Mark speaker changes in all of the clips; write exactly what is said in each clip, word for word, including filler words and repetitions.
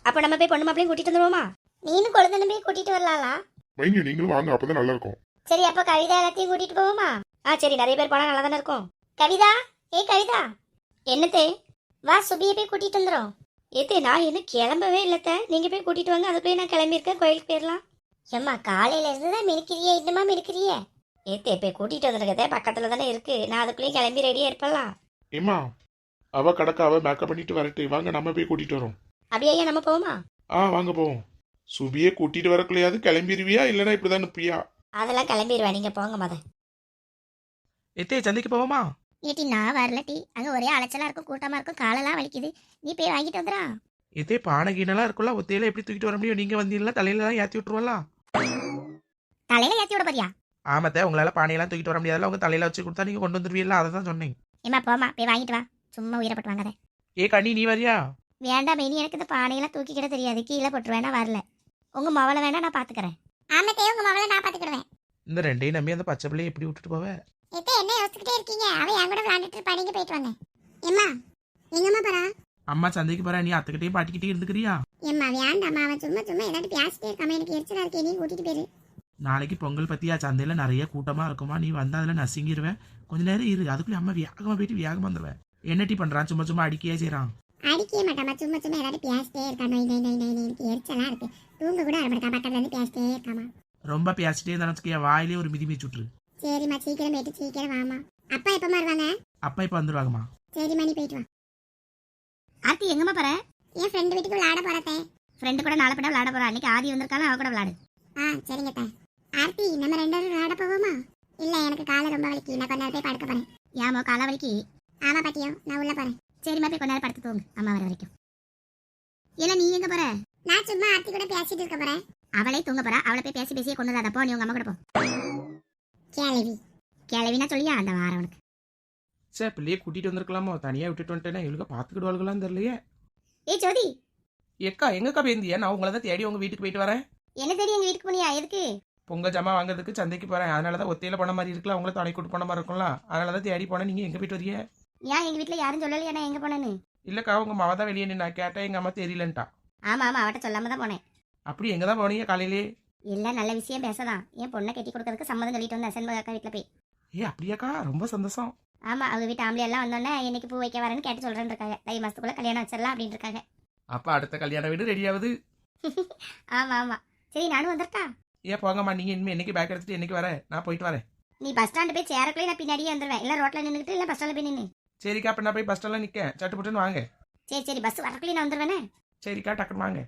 Speaker 1: அப்ப நம்ம போய் பொண்ணு மாப்பிளையும் கூட்டிட்டு வந்துருவோமா? நீனும் கொழுந்தனும் போய் கூட்டிட்டு வரலாம்லா?
Speaker 2: மைனி நீங்களும் வாங்க, அப்பதான் நல்லா இருக்கும்.
Speaker 1: சரி, அப்ப கவிதா எல்லாத்தையும் கூட்டிட்டு போவோமா? ஆ சரி, நிறைய பேர் போனா நல்லா தானே இருக்கும். கவிதா, ஏ கவிதா. என்னத்தே? வா சுபியை போய் கூட்டிட்டு வந்துடும். ஏத்தே, நான் இன்னும் கிளம்பவே இல்லத்த, நீங்க போய் கூட்டிட்டு வாங்க. அதுக்குள்ளேயே நான் கிளம்பியிருக்கேன், கோயிலுக்கு போயிடலாம். ஏம்மா காலையில இருந்துதான் மினுக்கிறியே, இன்னுமா மினுக்கிறியே? ஏத்தே போய் கூட்டிட்டு வந்துருக்கதே, பக்கத்துல தானே இருக்கு. நான் அதுக்குள்ளேயும் கிளம்பி ரெடியா இருப்பலாம்.
Speaker 2: ஏமா அவ கடக்க அவ மேக்கப் பண்ணிட்டு வரட்டு, வாங்க நம்ம போய் கூட்டிட்டு வரோம்.
Speaker 1: அப்படியே ஐயா, நம்ம போவோமா?
Speaker 2: ஆ வாங்க போவோம். சுபியை கூட்டிட்டு வரக்குள்ளையாவது கிளம்பிடுவியா இல்லைன்னா இப்படிதான் நிப்பியா?
Speaker 1: அதெல்லாம் கிளம்பிடுவேன், நீங்க போங்க மத.
Speaker 3: எத்தே சந்தைக்கு போவோமா?
Speaker 1: ஏட்டி நான் வரல டி, அங்க ஒரே அலைச்சலா இருக்கும், கூட்டமா இருக்கும், காலெல்லாம் வலிக்குது. நீ போய் வாங்கிட்டு வந்துடா.
Speaker 3: எத்தே பானை கீனெல்லாம் இருக்குல்ல, ஒத்தையில எப்படி தூக்கிட்டு வர முடியும்? நீங்க வந்தீங்களா தலையில தான் ஏற்றி விட்டுருவலாம்.
Speaker 1: தலையில ஏத்தி விட போறியா?
Speaker 3: ஆமாத்தே, உங்களால பானையெல்லாம் தூக்கிட்டு வர முடியாதுல, உங்க தலையில வச்சு கொடுத்தா நீங்க கொண்டு வந்துருவீங்களா, அதை தான் சொன்னேன்.
Speaker 1: ஏமா போமா, போய் வாங்கிட்டு வா, சும்மா உயிரப்பட்டு வாங்காத.
Speaker 3: ஏ கண்ணி நீ வரியா?
Speaker 1: வேண்டாம் மெனி, எனக்கு இந்த பானையெல்லாம் தூக்கிக்கிட தெரியாது, கீழே போட்டு வேணா வரல. உங்க மவளை வேணா நான் பாத்துக்கிறேன். ஆமாத்தே, உங்க மவளை நான் பாத்துக்கிடுவேன்.
Speaker 3: இந்த ரெண்டையும் நம்பி அந்த பச்சை பிள்ளையை எப்படி விட்டுட்டு போவ?
Speaker 1: எத்தே என்ன யோசிச்சுக்கிட்டே இருக்கீங்க? அவ என் கூட விளையாண்டுட்டு இருப்பா, நீங்க போயிட்டு வாங்க. ஏம்மா எங்கம்மா போறா?
Speaker 3: அம்மா சந்தைக்கு போற, நீ அத்துக்கிட்டே பாட்டிக்கிட்டே இருந்துக்கிறியா?
Speaker 1: ஏம்மா வேண்டாம்மா, அவன் சும்மா சும்மா ஏதாட்டு பேசிட்டே இருக்காம, எனக்கு எரிச்சலா இருக்கே, நீ கூட்டிட்டு போயிரு.
Speaker 3: நாளைக்கு பொங்கல் பத்தியா, சந்தையில நிறைய கூட்டமா இருக்குமா, நீ வந்தா அதுல நசுங்கிடுவேன். கொஞ்ச நேரம் இரு, அதுக்குள்ளே அம்மா வேகமா போயிட்டு வேகமா வந்துடுவேன். என்ன டீ பண்றான்? சும்மா சும்மா அடிக்கையே செய்யறான்.
Speaker 1: அடிக்கவே மாட்டாமா, சும்மா சும்மா ஏதாட்டு பேசிட்டே இருக்கா. நோய் நோய் நோய் நோய், எனக்கு எரிச்சலா இருக்கு. தூங்க கூட ஆரம்பிட்டா, பக்கத்துல இருந்து பேசிட்டே இருக்காமா.
Speaker 3: ரொம்ப பேசிட்டே இருந்தாலும் வாயிலே ஒரு மிதி மிதி சுட்டுரு.
Speaker 1: சரிம்மா, சீக்கிரம் போயிட்டு சீக்கிரம் வாமா. அப்பா எப்பமா வருவாங்க?
Speaker 3: அப்பா இப்ப வந்துருவாங்கம்மா.
Speaker 1: சரிம்மா, நீ போயிட்டு வா. ஆர்த்தி எங்கம்மா போற? என் ஃப்ரெண்டு வீட்டுக்கு விளையாட போறதே. ஃப்ரெண்டு கூட நாளை போட விளையாட போறா. அன்னைக்கு ஆதி வந்திருக்காலும் அவ கூட விளையாடு. ஆ சரிங்க தா. ஆர்த்தி, நம்ம ரெண்டு பேரும் விளையாட போவோமா? இல்ல, எனக்கு காலை ரொம்ப வலிக்கு, நான் கொஞ்ச நேரம் போய் படுக்க போறேன். ஏமா காலை வலிக்கு? ஆமா பாட்டியோ, நான் உள்ள போறேன். சரிம்மா, போய் கொஞ்ச நேரம் படுத்து தூங்கு, அம்மா வர வரைக்கும். இல்ல நீ எங்க போற? நான் சும்மா ஆர்த்தி கூட பேசிட்டு இருக்க போறேன். அவளே தூங்க போறா, அவளை போய் பேசி பேசியே கொண்டு வராத. போ, நீ உங்க அம்மா கூட போ. கேளவி கேளவினா சொல்லியா அந்த வாரம் உனக்கு.
Speaker 3: சே, பிள்ளையே கூட்டிட்டு வந்திருக்கலாமோ, தனியா விட்டுட்டு வந்துட்டேன்னா இவளுக்கு பாத்துக்கிடுவாளுகளான்னு தெரியலையே.
Speaker 1: ஏய் ஜோதி,
Speaker 3: ஏக்கா எங்கக்கா பேந்தியா? நான் உங்களை தான் தேடி உங்க வீட்டுக்கு போயிட்டு வரேன்.
Speaker 1: என்ன தேடி எங்க வீட்டுக்கு போனியா? எதுக்கு?
Speaker 3: பொங்கல் ஜாமா வாங்குறதுக்கு சந்தைக்கு போறேன். அதனாலதான் ஒத்தையில போன மாதிரி இருக்குல்ல, உங்களை துணை கூட்டு போன மாதிரி இருக்கும்ல, அதனாலதான் தேடி போனேன். நீங்க எங்க போயிட்டு வரீங்க?
Speaker 1: ஏன் எங்க வீட்டுல யாரும் சொல்லலையா நான் எங்க போனேன்னு?
Speaker 3: இல்லக்கா, உங்க மாவா தான் வெளியே நின்று கேட்டேன், எங்க அம்மா தெரியலன்ட்டா.
Speaker 1: ஆமா ஆமா, அவட்ட சொல்லாம தான் போனேன்.
Speaker 3: அப்படி எங்க தான் போனீங்க காலையிலே?
Speaker 1: இல்ல, நல்ல விஷயம் பேசதான். என் பொண்ணை கட்டி கொடுக்கறதுக்கு சம்மதம் சொல்லிட்டு வந்தேன் செண்பக அக்கா வீட்டுல போய்.
Speaker 3: ஏ அப்படியாக்கா, ரொம்ப சந்தோஷம்.
Speaker 1: ஆமா, அவங்க வீட்டு ஆம்பளை எல்லாம் வந்தோடனே என்னைக்கு பூ வைக்க வரேன்னு கேட்டு சொல்றேன்னு இருக்காங்க. தை மாசத்துக்குள்ள கல்யாணம் வச்சிடலாம் அப்படின்னு இருக்காங்க.
Speaker 3: அப்ப அடுத்த கல்யாண வீடு ரெடி ஆகுது.
Speaker 1: ஆமா ஆமா, சரி நானும் வந்துட்டா.
Speaker 3: ஏன் போங்கம்மா, நீங்க இனிமே என்னைக்கு பேக் எடுத்துட்டு என்னைக்கு வரேன், நான் போயிட்டு வரேன்.
Speaker 1: நீ பஸ் ஸ்டாண்டு போய் சேரக்குள்ளே நான் பின்னாடியே வந்துடுவேன். இல்ல ரோட்ல நின்றுட்டு இல்ல பஸ் ஸ்டாண்ட்ல போய் நின்று.
Speaker 3: சரிக்கா, அப்ப நான் போய் பஸ் ஸ்டாண்ட்ல நிக்க, சட்டு புட்டுன்னு வாங்க.
Speaker 1: சரி சரி, பஸ் வரக்குள்ளே நான் வந்துடுவேனே.
Speaker 3: சரிக்கா, டக்குன்னு வாங்க.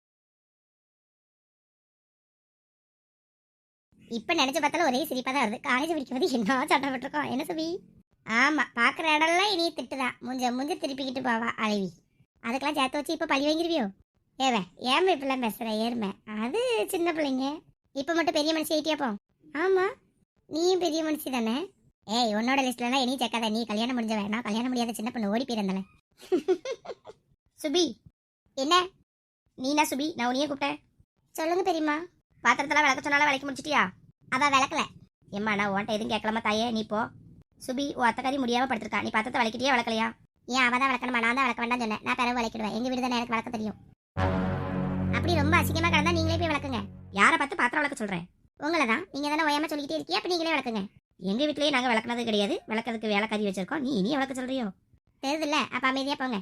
Speaker 1: இப்ப நினைச்சு பார்த்தாலும் ஒரே சிரிப்பா தான் வருது. காலேஜ் படிக்கும்போது என்ன சட்டம் விட்டுருக்கோம். என்ன சுபி? ஆமா, பாக்குற இடம்லாம் இனி திட்டுதான். முஞ்ச முஞ்ச திருப்பிக்கிட்டு போவா அழவி. அதுக்கெல்லாம் சேர்த்து வச்சு இப்ப பழி வாங்கிருவியோ? ஏவே ஏமா இப்பெல்லாம் பேசுற? ஏறுமை, அது சின்ன பிள்ளைங்க. இப்ப மட்டும் பெரிய மனுஷி ஆயிட்டியா போ? ஆமா, நீயும் பெரிய மனுஷி தானே. ஏய், உன்னோட லிஸ்ட்ல நீ சேர்க்காத. நீ கல்யாணம் முடிஞ்ச வேணா, கல்யாணம் முடியாத சின்ன பொண்ணு ஓடி போயிருந்தால. சுபி என்ன? நீனா சுபி? நான் உனியே கூப்பிட்டேன். சொல்லுங்க பெரியம்மா. பாத்திரத்தெல்லாம் விளக்க சொன்னாலும் விளக்கி முடிச்சிட்டியா? அவ விளக்கல. எம்மா நான் உன்ட்ட எதுவும் கேட்கலாமா தாயே? நீ போ. சுபி, உன் அத்தக்காரி முடியாம படுத்திருக்கா. நீ பாத்திரத்தை விளக்கிட்டியா விளக்கலையா? ஏன் அவ தான் விளக்கணுமா? நான் தான் விளக்க வேண்டாம் சொன்னேன். நான் பிறகு விளக்கிடுவேன். எங்க வீடு தானே, எனக்கு விளக்க தெரியும். அப்படி ரொம்ப அசிங்கமா கிடந்தா நீங்களே போய் விளக்குங்க. யாரை பார்த்து பாத்திரம் விளக்க சொல்றேன்? உங்களை தான். நீங்க தானே ஓயாம சொல்லிக்கிட்டே இருக்கியா, அப்ப நீங்களே விளக்குங்க. எங்க வீட்லயே நாங்க விளக்குனது கிடையாது. விளக்கிறதுக்கு வேலை கறி வச்சிருக்கோம். நீ இனி விளக்க சொல்றியோ? தெரியுது இல்ல, அப்ப அமைதியா போங்க.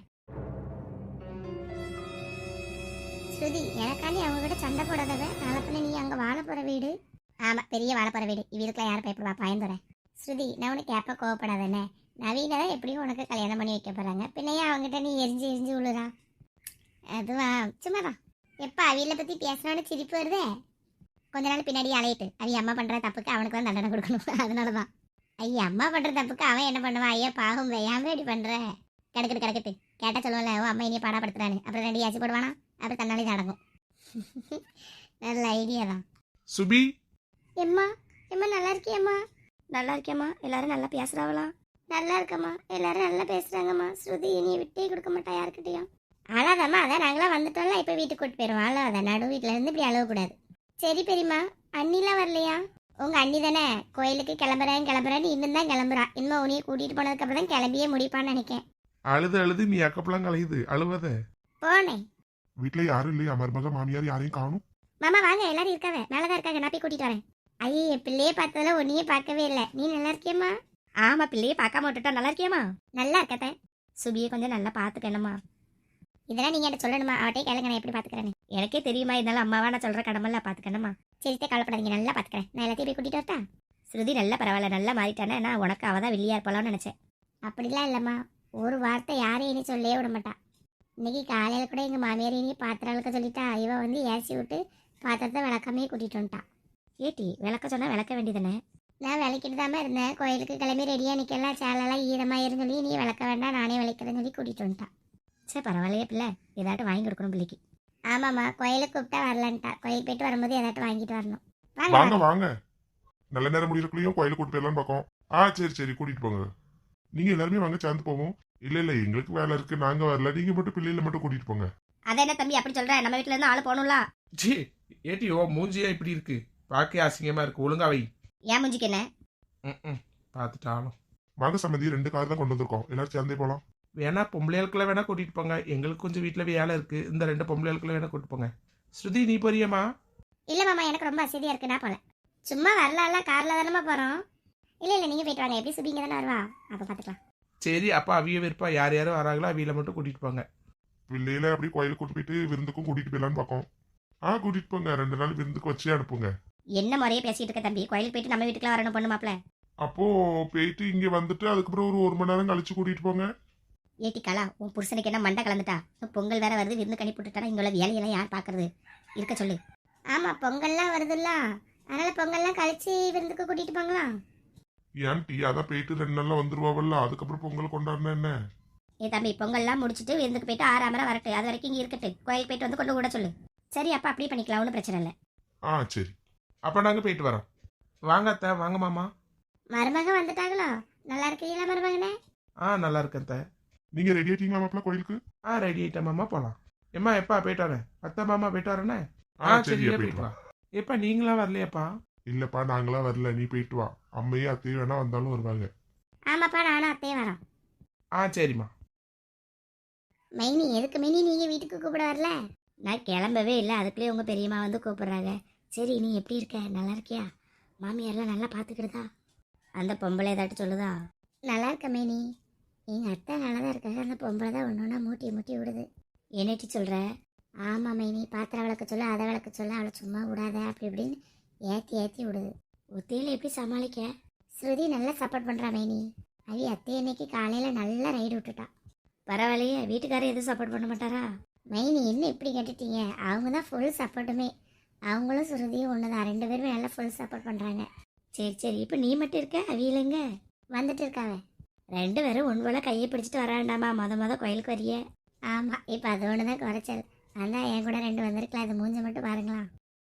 Speaker 1: ஸ்ருதி, எனக்காண்டி அவங்க கிட்ட சண்டை போடாதவ. நாளப்பின்ன நீ அங்க வாழ போற வீடு. ஆமா, பெரிய வாழ போற வீடு. இவருக்குலாம் யாரும் பயப்படுவா? பயந்துறேன். ஸ்ருதி, நான் உனக்கு கேப்ப கோவப்படாதானே? நவீன எப்படியும் உனக்கு கல்யாணம் பண்ணி வைக்க போறாங்க. பின்னையா அவங்ககிட்ட நீ எரிஞ்சு எரிஞ்சு விழுறா? அதுவா சும்மாதான். எப்ப அவியலை பத்தி பேசுறான்னு சிரிப்பு வருதே. கொஞ்ச நாள் பின்னாடி அலையிட்டு அவிய அம்மா பண்ற தப்புக்கு அவனுக்கு தான் தண்டனை கொடுக்கணும். அதனாலதான். ஐயா, அம்மா பண்ற தப்புக்கு அவன் என்ன பண்ணுவான்? ஐயா பாகம், ஏன் இப்படி பண்ற? கிடக்குது கிடக்குது கேட்டா சொல்லுவோம்ல, ஓ அம்மா இனிய பாடப்படுத்துறான்னு. அப்புறம் ரெண்டு ஆச்சு போடுவானா? அப்புறம் தன்னாலே நடக்கும். நல்ல ஐடியா தான்.
Speaker 3: சுபி,
Speaker 1: எம்மா எம்மா நல்லா இருக்கியம்மா? நல்லா இருக்கியம்மா. எல்லாரும் நல்லா பேசுறாங்களா? நல்லா இருக்கம்மா, எல்லாரும் நல்லா பேசுறாங்கம்மா. ஸ்ருதி இனி விட்டே கொடுக்க மாட்டா யாருக்கிட்டையும். அழாதம்மா, அதான் நாங்களாம் வந்துட்டோம்ல, இப்போ வீட்டுக்கு கூட்டு போயிடுவோம். அழாத, நடு வீட்டில இருந்து இப்படி அழகக்கூடாது. சரி பெரியம்மா. அண்ணிலாம் வரலையா? உங்க அண்ணி தானே கோயிலுக்கு கிளம்புறேன் கிளம்புறேன்னு இன்னும் தான் கிளம்புறா. இன்னும் உனியை கூட்டிட்டு போனதுக்கு அப்புறம் தான் கிளம்பியே முடிப்பான்னு நினைக்கேன்.
Speaker 2: அழுது அழுது நீ அக்கப்பெல்லாம் கலையுது, அழுவத.
Speaker 1: போனேன்
Speaker 2: வீட்டுல யாரும் இல்லையா? மருமக மாமியார் யாரையும் காணும்.
Speaker 1: மாமா வாங்க, எல்லாரும் இருக்காங்க, மேலதான் இருக்காங்க, நான் போய் கூட்டிட்டு வரேன். ஐயே, என் பிள்ளையே பார்த்ததுல ஒன்னையே பார்க்கவே இல்லை. நீ நல்லா இருக்கியம்மா? ஆமா, பிள்ளையே பார்க்காம விட்டுட்டா. நல்லா இருக்கியம்மா? நல்லா இருக்கத்த. சுபியை கொஞ்சம் நல்லா பார்த்துக்கணுமா? இதெல்லாம் நீங்க என்ன சொல்லணுமா? அவட்டே கேளுங்க, நான் எப்படி பாத்துக்கிறேன்னு. எனக்கே தெரியுமா, இருந்தாலும் அம்மாவா நான் சொல்ற கடமெல்லாம் பாத்துக்கணுமா? சரித்தே, கவலைப்படாதீங்க, நல்லா பாத்துக்கிறேன். நான் எல்லாத்தையும் போய் கூட்டிட்டு வரட்டா? ஸ்ருதி நல்லா பரவாயில்ல, நல்லா மாறிட்டானே. நான் உனக்கு அவதான் வெளியா இருப்பலாம்னு நினைச்சேன். அப்படிலாம் இல்லம்மா, ஒரு வார்த்தை யாரையும் இனி சொல்லவே விட மாட்டா. இன்னைக்கு காலையில கூட எங்க மாமியார் இனி பாத்திரம் விளக்க சொல்லிட்டா. இவ வந்து ஏசி விட்டு பாத்திரத்தை விளக்கமே கூட்டிட்டு வந்துட்டா. ஏட்டி, விளக்க சொன்னா விளக்க வேண்டியதானே? நான் விளக்கிட்டு தாம இருந்தேன். கோயிலுக்கு கிளம்பி ரெடியா நிக்கலாம், சேலெல்லாம் ஈரமாயிரும் சொல்லி நீ விளக்க வேண்டாம், நானே விளக்கிறேன்னு சொல்லி கூட்டிட்டு வந்துட்டா. சரி, பரவாயில்லையே பிள்ளை, ஏதாட்டும் வாங்கி கொடுக்கணும் பிள்ளைக்கு. ஆமாம்மா, கோயிலுக்கு கூப்பிட்டா வரலான்ட்டா. கோயிலுக்கு போயிட்டு வரும்போது ஏதாட்டும் வாங்கிட்டு வரணும்.
Speaker 2: வாங்க
Speaker 1: வாங்க.
Speaker 2: வாங்க, நல்ல நேரம் முடியறக்குள்ளேயும் கோயிலுக்கு கூட்டு போயிடலான்னு பார்க்கோம். ஆ சரி சரி, கூட்டிட்டு போங்க. நீங்க எல்லாருமே வாங்க, சேர்ந்து போவோம். இல்ல இல்ல, எங்களுக்கு வேலை இருக்கு, நாங்க வரல. நீங்க மட்டும் பிள்ளைகளை மட்டும் கூட்டிட்டு போங்க.
Speaker 1: அதை என்ன தம்பி அப்படி சொல்ற? நம்ம வீட்டுல இருந்து ஆளு போகணும்ல.
Speaker 3: ஜி ஏட்டி, ஓ மூஞ்சியா இப்படி இருக்கு, பார்க்க அசிங்கமா இருக்கு. ஒழுங்கா வை.
Speaker 1: ஏன் முஞ்சிக்கு என்ன?
Speaker 3: ம் பார்த்துட்டாலும்.
Speaker 2: வாங்க சம்மந்தி, ரெண்டு கார் தான் கொண்டு வந்திருக்கோம், எல்லாரும் சேர்ந்தே போலாம்.
Speaker 3: வேணா பொம்பளைகளுக்குள்ள வேணா கூட்டிட்டு போங்க, எங்களுக்கு கொஞ்சம் வீட்டுல வேலை இருக்கு. இந்த ரெண்டு பொம்பளைகளுக்குள்ள வேணா கூட்டிட்டு போங்க. ஸ்ருதி, நீ போறியம்மா?
Speaker 1: இல்ல மாமா, எனக்கு ரொம்ப அசதியா இருக்கு, நான் போல. சும்மா வரலாம், கார்ல தானே போறோம். இல்ல இல்ல, நீங்க போயிட்டு வாங்க. எப்படி சுபிங்க தானே வருவா, அப்ப பாத்துக்கலாம்.
Speaker 3: சரி, அப்ப அவிய விருப்பா யார் யாரும் வராங்களோ அவியில மட்டும் கூட்டிட்டு போங்க.
Speaker 2: பிள்ளையில அப்படியே கோயிலுக்கு கூட்டு போயிட்டு விருந்துக்கும் கூட்டிட்டு போயிடலான்னு பார்க்கோம். ஆ கூட்டிட்டு போங்க, ரெண்டு நாள் விருந்துக்கு வச்சே அனுப்புங்க.
Speaker 1: என்ன முறையே பேசிட்டு இருக்க தம்பி? கோயிலுக்கு போயிட்டு நம்ம வீட்டுக்குலாம் வரணும் பொண்ணு மாப்பிள.
Speaker 2: அப்போ போயிட்டு இங்க வந்துட்டு அதுக்கப்புறம் ஒரு ஒரு மணி நேரம் கழிச்சு கூட்டிட்டு போங்க.
Speaker 1: ஏட்டி கலா, உன் புருஷனுக்கு என்ன மண்டை கலந்துட்டா? பொங்கல் வேற வருது, விருந்து கணி போட்டுட்டானா இங்க உள்ள வேலையெல்லாம் யார் பாக்குறது? இருக்க சொல்லு. ஆமா, பொங்கல்லாம் வருதுல்ல, அதனால பொங்கல்லாம் கழிச்சு விருந்துக்கு கூட்டிட்டு போங்களா?
Speaker 2: ஏன் டீ, அதான் போயிட்டு ரெண்டு நாள்ல வந்துருவாவல்ல, அதுக்கப்புறம் பொங்கல் கொண்டாடினா என்ன?
Speaker 1: ஏ தம்பி, பொங்கல்லாம் முடிச்சுட்டு விருந்துக்கு போயிட்டு ஆறாமரை வரட்டு, அது வரைக்கும் இங்க இருக்கட்டு. கோயிலுக்கு போயிட்டு வந்து கொண்டு கூட சொல்லு. சரி, அப்ப அப்படியே பண்ணிக்கலாம், ஒன்றும் பிரச்சனை இல்லை.
Speaker 2: ஆ சரி.
Speaker 3: அப்ப நாங்க போயிட்டு வரோம். வாங்க அத்தை, வாங்க மாமா.
Speaker 1: மருமக வந்துட்டாங்களோ? நல்லா இருக்கீங்களா மருமகனே?
Speaker 3: ஆ நல்லா இருக்கேன் அத்தை.
Speaker 2: நீங்க ரெடி ஆயிட்டீங்களா மாப்பிள்ள கோயிலுக்கு?
Speaker 3: ஆ ரெடி ஆயிட்டேன் மாமா, போலாம். எம்மா எப்பா போயிட்டு வரேன். அத்தை மாமா போயிட்டு வரேனே.
Speaker 2: ஆ
Speaker 3: ஆ
Speaker 2: சரியா,
Speaker 3: சரியா
Speaker 2: போயிட்டு
Speaker 3: போயிட்டு
Speaker 2: வா.
Speaker 3: வா. எப்பா நீங்களா வரலையாப்பா?
Speaker 2: இல்லப்பா, நாங்களா வரல, நீ போயிட்டு வா. அம்மையும் அத்தையும் வேணா வந்தாலும் வருவாங்க.
Speaker 1: ஆமாப்பா, நானும் அத்தையும் வரோம்.
Speaker 3: ஆ சரிம்மா.
Speaker 1: மைனி, எதுக்கு மைனி நீங்க வீட்டுக்கு கூப்பிட வரல? நான் கிளம்பவே இல்லை, அதுக்குள்ளேயே உங்க பெரியம்மா வந்து கூப்பிடுறாங்க. சரி, நீ எப்படி இருக்க? நல்லா இருக்கியா? மாமியாரெல்லாம் நல்லா பார்த்துக்கிடுதா? அந்த பொம்பளை ஏதாட்டு சொல்லுதா? நல்லா இருக்க மைனி, எங்க அத்தை நல்லா தான் இருக்காங்க. அந்த பொம்பளை தான் ஒன்று ஒன்றா மூட்டி மூட்டி விடுது. என்னட்டி சொல்ற? ஆமா மைனி, பாத்திரம் விளக்க சொல்ல, அதை விளக்க சொல்ல, அவளை சும்மா விடாத அப்படி இப்படின்னு ஏற்றி ஏற்றி விடுது. ஒத்தையில எப்படி சமாளிக்க? ஸ்ருதி நல்லா சப்போர்ட் பண்றா மைனி. அவி அத்தை இன்னைக்கு காலையில நல்லா ரைடு விட்டுட்டா. பரவாயில்லையே, வீட்டுக்காரர் எதுவும் சப்போர்ட் பண்ண மாட்டாரா? மைனி, என்ன இப்படி கேட்டுட்டீங்க? அவங்க தான் ஃபுல் சப்போர்ட்டுமே. அவங்களும் ஸ்ருதியும் ஒன்று தான், ரெண்டு பேருமே நல்லா ஃபுல் சப்போர்ட் பண்ணுறாங்க. சரி சரி, இப்போ நீ மட்டும் இருக்க, அவியலுங்க வந்துட்டு இருக்காவ. ரெண்டு பேரும் ஒன்று போல கையை பிடிச்சிட்டு வர வேண்டாமா? மொத மொத கோயிலுக்கு வரிய. ஆமாம், இப்போ அது ஒன்று தான் குறைச்சல். அதான் என் கூட ரெண்டு வந்திருக்கலாம். அது மூஞ்சி மட்டும் பாருங்களா.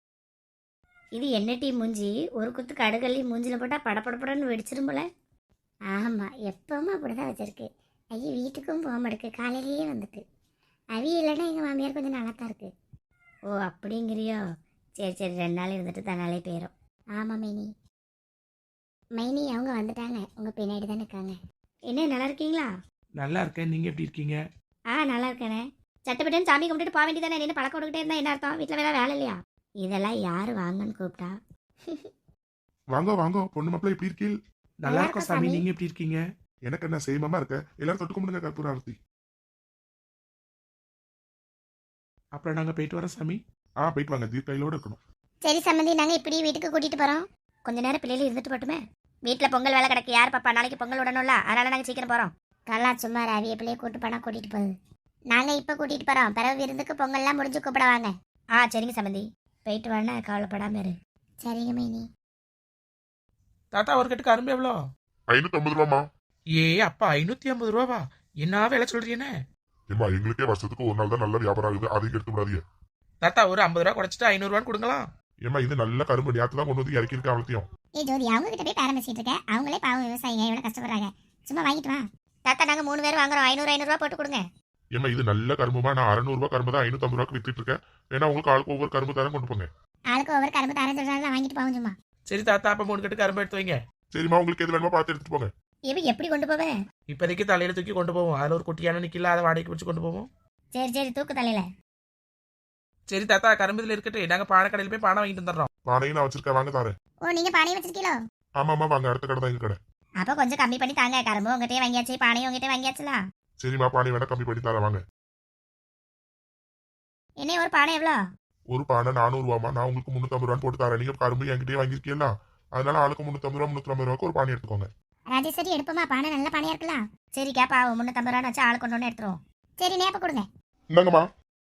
Speaker 1: இது என்ன டீ மூஞ்சி? ஒரு குத்து கடுகல்லி மூஞ்சில் போட்டால் படப்படப்படன்னு வெடிச்சிரும் போல. ஆமாம், எப்பவும் அப்படி தான் வச்சிருக்கு. ஐயோ, வீட்டுக்கும் போக மாட்டேக்கு, காலையிலேயே வந்துட்டு. அவி இல்லைன்னா எங்கள் மாமியார் கொஞ்சம் நல்லா தான் இருக்கு. ஓ அப்படிங்கிறியோ? சரி சரி, ரெண்டு நாள் இருந்துட்டு தன்னாலே போயிடும். ஆமாம் மைனி. மைனி, அவங்க வந்துட்டாங்க, உங்கள் பின்னாடி தான் இருக்காங்க. என்ன நல்லா இருக்கீங்களா?
Speaker 3: நல்லா இருக்கேன், நீங்க எப்படி இருக்கீங்க?
Speaker 1: ஆ நல்லா இருக்கேனே. சட்டப்பட்டுன்னு சாமி கும்பிட்டுட்டு போக வேண்டியதானே? என்ன பழக்கம் விட்டுக்கிட்டே இருந்தா என்ன அர்த்தம்? வீட்டில் வேலை வேலை இல்லையா? இதெல்லாம் யார் வாங்கன்னு கூப்பிட்டா?
Speaker 2: வாங்க வாங்க, பொண்ணு மாப்பிள்ள எப்படி இருக்கீள்?
Speaker 3: நல்லா இருக்கோம் சாமி, நீங்க எப்படி இருக்கீங்க?
Speaker 2: எனக்கு என்ன சேமமா இருக்க? எல்லாரும் தொட்டு கும்பிடுங்க கற்பூர ஆரத்தி.
Speaker 3: அப்புறம் நாங்க போயிட்டு வரோம் சாமி.
Speaker 2: ஆ போயிட்டு வாங்க, தீர்க்கையிலோட இருக்கணும்.
Speaker 1: சரி சம்மந்தி, நாங்கள் இப்படி வீட்டுக்கு கூட்டிகிட்டு போகிறோம். கொஞ்ச நேரம் பிள்ளைகள் இருந்துட்டு போட்டுமே. வீட்டில் பொங்கல் வேலை கிடக்கு, யார் பாப்பா? நாளைக்கு பொங்கல் விடணும்ல, அதனால நாங்கள் சீக்கிரம் போகிறோம். கல்லா சும்மா ரவிய பிள்ளைய கூட்டு போனால் கூட்டிகிட்டு போகுது. நாங்கள் இப்போ கூட்டிகிட்டு போகிறோம், பிறகு விருந்துக்கு பொங்கல்லாம் முடிஞ்சு கூப்பிட வாங்க. ஆ சரிங்க சம்மந்தி, போயிட்டு வாங்க, கவலைப்படாம இரு. சரிங்க மைனி.
Speaker 3: தாத்தா, ஒரு கட்டுக்கு அரும்பு எவ்வளோ?
Speaker 2: ஐநூத்தி ஐம்பது ரூபாமா?
Speaker 3: ஏ அப்பா, ஐநூத்தி ஐம்பது ரூபாவா? என்ன வேலை சொல்றீனே?
Speaker 2: ஏமா, எங்களுக்கே வருஷத்துக்கு ஒரு நாள் தான் நல்ல வியாபாரம் ஆகுது, அதையும் எடுத்து விடாதீங்க.
Speaker 3: தாத்தா, ஒரு ஐம்பது ரூபா குறைச்சிட்டு ஐநூறு ரூபான்னு கொடுங்களா?
Speaker 2: ஏமா, இது நல்ல கரும்பு, நேற்று தான் கொண்டு வந்து இறக்கி இருக்க அவளத்தையும்.
Speaker 1: ஏ ஜோதி, அவங்க கிட்ட போய் பேரம் பேசிட்டு இருக்க. அவங்களே பாவம் விவசாயிங்க, எவ்வளோ கஷ்டப்படுறாங்க. சும்மா வாங்கிட்டு வா. தாத்தா, நாங்கள் மூணு பேர் வாங்குறோம், ஐநூறு ஐநூறுரூவா போட்டு கொடுங்க.
Speaker 2: ஏமா, இது நல்ல கரும்புமா, நான் அறுநூறு ரூபாய் கரும்பு தான் ஐநூத்தி ஐம்பது ரூபாய்க்கு வித்துட்டு இருக்கேன். ஏன்னா உங்களுக்கு ஆளுக்கு ஒவ்வொரு கரும்பு தரம் கொண்டு போங்க.
Speaker 1: ஆளுக்கு ஒவ்வொரு கரும்பு தரம் சொல்றாங்க, வாங்கிட்டு போவோம் சும்மா.
Speaker 3: சரி தாத்தா, அப்ப மூணு கட்டுக்கு அரும்பு எடுத்து வைங்க.
Speaker 2: சரிம்மா, உங்களுக்கு எது வேணுமோ பார்த்து எடுத்துட்டு போங்க.
Speaker 1: எப்படி எப்படி கொண்டு போவேன்?
Speaker 3: இப்போதைக்கு தலையில தூக்கி கொண்டு போவோம். அதில் ஒரு குட்டியான நிக்கல, அதை வாடகைக்கு வச்சு கொண்டு போவோம்.
Speaker 1: சரி சரி, தூக்கு தலையில.
Speaker 3: சரி தாத்தா கரும்புல இருக்கட்டும், நாங்க பானை கடையில போய் பானை வாங்கிட்டு வந்துடுறோம்.
Speaker 2: பானையும் நான் வச்சிருக்கேன், வாங்க தாரேன்.
Speaker 1: ஓ நீங்க பானையை வச்சிருக்கீங்களோ?
Speaker 2: ஆமாம்மா வாங்க, அடுத்த கடை தான் எங்க கடை.
Speaker 1: அப்ப கொஞ்சம் கம்மி பண்ணி தாங்க. கரும்பு உங்ககிட்டயே வாங்கியாச்சு, பானையும் உங்ககிட்ட வாங்கியாச்சுல.
Speaker 2: சரிம்மா, பானை வேணா கம்மி பண்ணி தரேன் வாங்க.
Speaker 1: என்ன ஒரு பானை எவ்வளோ?
Speaker 2: ஒரு பானை நானூறு ரூபாமா, நான் உங்களுக்கு முன்னூத்தம்பது ரூபான்னு போட்டு தரேன். நீங்க கரும்பு என்கிட்டயே வாங்கிருக்கீங்களா, அதனால ஆளுக்கு முன்னூத்தம்பது ரூபா முன்னூத்தி ரூபாய்க்கு ஒரு பானை எடுத்துக்கோங்க.
Speaker 1: ராஜேஸ்வரி எடுப்போமா, பானை நல்ல பானையா இருக்கலாம். சரி கேப்பா, முன்னூத்தம்பது ரூபா வச்சு ஆள் கொண்டு வந்து எடுத்துருவோம். சரி நேப்ப கொடுங்க.
Speaker 2: இந்தாங்கம்மா.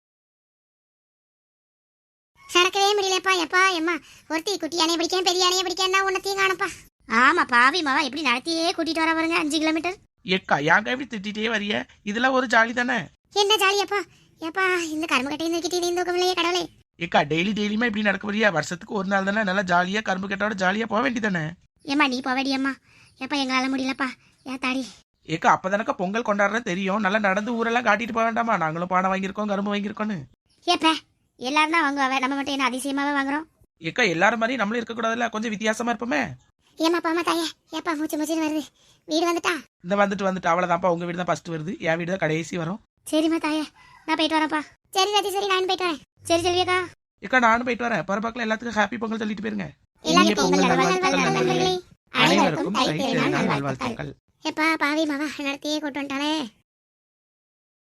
Speaker 1: நடக்கவே முடியலப்பா. எப்பா எம்மா, ஒருத்தி குட்டி யானையை பிடிக்கேன், பெரிய யானையை பிடிக்கேன்னா உன்னத்தையும் காணப்பா. ஆமா பாவி மாவா, எப்படி நடத்தியே கூட்டிட்டு வர பாருங்க, அஞ்சு கிலோமீட்டர்.
Speaker 3: ஏக்கா ஏங்க இப்படி திட்டிகிட்டே வரிய? இதெல்லாம் ஒரு ஜாலி தானே.
Speaker 1: என்ன ஜாலியாப்பா? ஏப்பா இந்த கரும்பு கட்டையை நிறுத்திட்டு இது இந்த தூக்கமில்லையே கடவுளே.
Speaker 3: ஏக்கா டெய்லி டெய்லியுமே இப்படி நடக்க வரியா? வருஷத்துக்கு ஒரு நாள் தானே நல்லா ஜாலியா கரும்பு கட்டோட ஜாலியா போக வேண்டியதானே.
Speaker 1: ஏம்மா நீ போவடி அம்மா. ஏப்பா எங்களால முடியலப்பா, ஏன் தாடி.
Speaker 3: ஏக்கா அப்பதானக்கா பொங்கல் கொண்டாடுறது தெரியும், நல்லா நடந்து ஊரெல்லாம் காட்டிட்டு போக வேண்டாமா? நாங்களும் பானை வாங்கியிருக்கோம், கரும்பு வாங்கியிருக்கோன்னு.
Speaker 1: ஏப்பா எல்லாரும் தான் வாங்குவாவே, நம்ம மட்டும் என்ன அதிசயமாவே வாங்குறோம்?
Speaker 3: ஏக்கா எல்லாரும் மாதிரி நம்மளும் இருக்கக்கூடாதுல்ல, கொஞ்சம் வித்தியாசமா இருப்போமே.
Speaker 1: ஏமா பாமா தாயே, ஏப்பா மூச்சு மூச்சுன்னு வருது. வீடு வந்துட்டா?
Speaker 3: இந்த வந்துட்டு வந்துட்டு அவ்வளவுதான்ப்பா, உங்க வீடு தான் ஃபர்ஸ்ட் வருது, என் வீடு தான் கடைசி வரும்.
Speaker 1: சரிம்மா தாயே, நான் போயிட்டு வரேன்ப்பா. சரி ராஜி, சரி நான் போயிட்டு வரேன். சரி செல்வியக்கா.
Speaker 3: ஏக்கா நானும் போயிட்டு வரேன். பரபாக்கில் எல்லாத்துக்கும் ஹாப்பி பொங்கல் சொல்லிட்டு போயிருங்க.
Speaker 1: எல்லாருக்கும்
Speaker 3: பொங்கல்
Speaker 1: பொங்கல்
Speaker 3: நல்வாழ்த்துக்கள்
Speaker 1: நல்வாழ்த்துக்கள்
Speaker 3: நண்பர்களே.
Speaker 1: நண்பர்களே.
Speaker 3: அனைவருக்கும்
Speaker 1: தை
Speaker 3: தை
Speaker 1: திருநாள்
Speaker 3: திருநாள்
Speaker 1: நல்வாழ்த்துக்கள்.
Speaker 3: நல்வாழ்த்துக்கள்.
Speaker 1: எப்பா பாவி மாவா நடத்தியே கூட்டு வந்துட்டானே.